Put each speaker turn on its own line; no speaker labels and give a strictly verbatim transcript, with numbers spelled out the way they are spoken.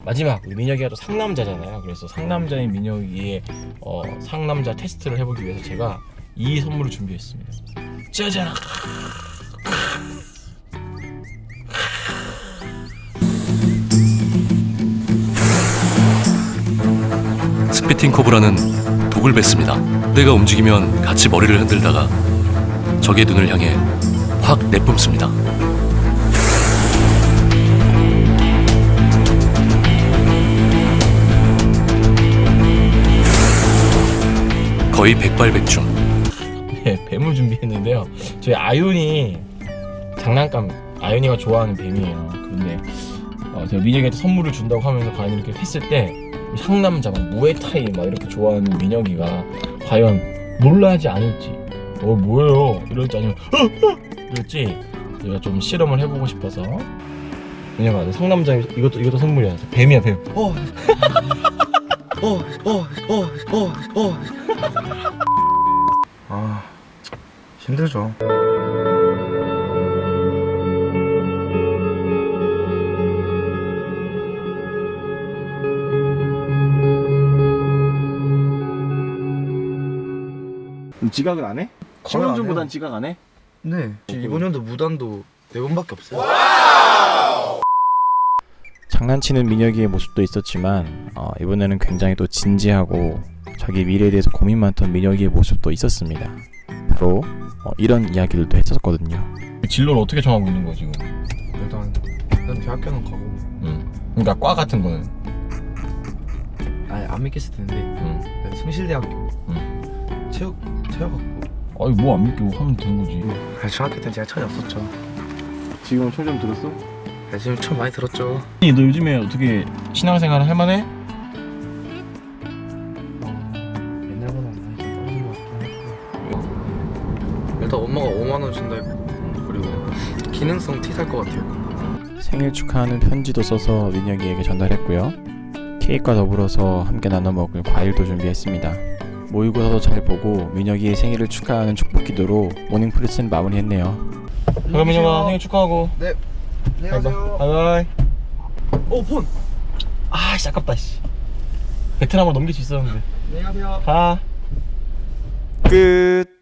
마지막 민혁이가 또 상남자잖아요. 그래서 상남자인 민혁이의 어, 상남자 테스트를 해보기 위해서 제가 이 선물을 준비했습니다. 짜잔!
스피팅 코브라는 독을 뱉습니다. 내가 움직이면 같이 머리를 흔들다가 적의 눈을 향해 확 내뿜습니다. 거의 백발백중.
네, 뱀을 준비했는데요. 저희 아윤이 장난감, 아윤이가 좋아하는 뱀이에요. 그런데 어, 제가 민혁이한테 선물을 준다고 하면서 과연 이렇게 했을 때 상남자, 막 무에타이 막 이렇게 좋아하는 민혁이가 과연 놀라지 않을지, 어 뭐예요 이럴지 아니면 이럴지 제가 좀 실험을 해보고 싶어서. 민혁아, 상남자 이것도 이것도 선물이야. 뱀이야, 뱀.
어. 어, 어, 어, 어, 어. 아, 힘들죠.
지각은 안 해?
거의 안
신혼전보단
해요.
지각 안 해?
네. 이번 연도 무단도 네 번밖에 없어요.
장난치는 민혁이의 모습도 있었지만 어, 이번에는 굉장히 또 진지하고 자기 미래에 대해서 고민 많던 민혁이의 모습도 있었습니다. 바로 어, 이런 이야기들도 했었거든요. 진로를 어떻게 정하고 있는 거야 지금?
일단 일단 대학교는 가고.
응. 그러니까 과 같은 거는.
아니 안 믿겠을 텐데.
응.
네, 성실대학교.
응.
체육 체육학부.
아니 뭐 안 믿고 하면 되는 거지.
아니 중학교 때 제가 철이 없었죠.
지금은 총 좀 들었어?
네, 지금 처음 많이 들었죠.
너 요즘에 어떻게 신앙생활 할 만해?
옛날보다 많이 좀 떨어진 것 같긴 했고. 일단 엄마가 오만 원 준다 했고, 그리고 기능성 티 살 것 같아요.
생일 축하하는 편지도 써서 민혁이에게 전달했고요. 케이크와 더불어서 함께 나눠 먹을 과일도 준비했습니다. 모의고사도 잘 보고 민혁이의 생일을 축하하는 축복 기도로 모닝프리스는 마무리했네요. 그럼 민혁아 생일 축하하고.
네. 안녕하세요.
바이바이.
오 폰.
아씨 아깝다 씨. 베트남으로 넘길 수 있었는데.
안녕하세요.
가. 끝.